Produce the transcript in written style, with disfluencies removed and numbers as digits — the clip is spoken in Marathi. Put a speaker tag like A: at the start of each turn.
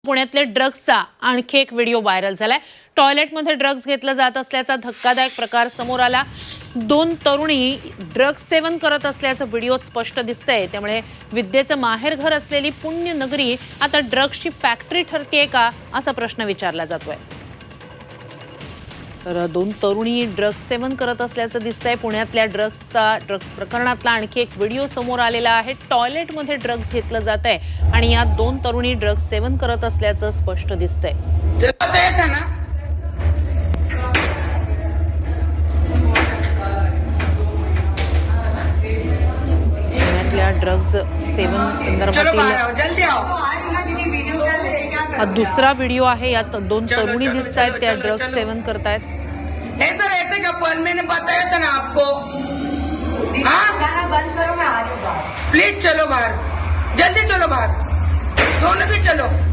A: पुण्यातले ड्रग्सचा आणखी एक व्हिडिओ व्हायरल झालाय। टॉयलेटमध्ये ड्रग्स घेतला जात असल्याचा धक्कादायक प्रकार समोर आला। दोन तरुणी ड्रग्स सेवन करत असल्याचं व्हिडिओत स्पष्ट दिसतंय। त्यामुळे विद्येचं माहेरघर असलेली पुण्यनगरी आता ड्रग्सची फॅक्टरी ठरतेय का असा प्रश्न विचारला जातोय। तर दोन तरुणी ड्रग्स सेवन करत असल्याचं दिसतंय। पुण्यातल्या ड्रग्स प्रकरणातला आणखी एक व्हिडिओ समोर आलेला आहे। टॉयलेटमध्ये ड्रग्स घेतलं जातंय आणि यात दोन तरुणी ड्रग्स सेवन करत असल्याचं स्पष्ट दिसतंय। पुण्यातल्या ड्रग्स सेवन संदर्भातील हा दूसरा व्हिडिओ आहे। यात दोन तरुणी दिसतायत, त्या ड्रग्स सेवन करतायत।
B: ऐसा रहते क्या पल मैंने बताया था ना आपको। हाँ बंद करो, मैं आ रही हूँ। प्लीज चलो बाहर, जल्दी चलो बाहर, दोनों भी चलो।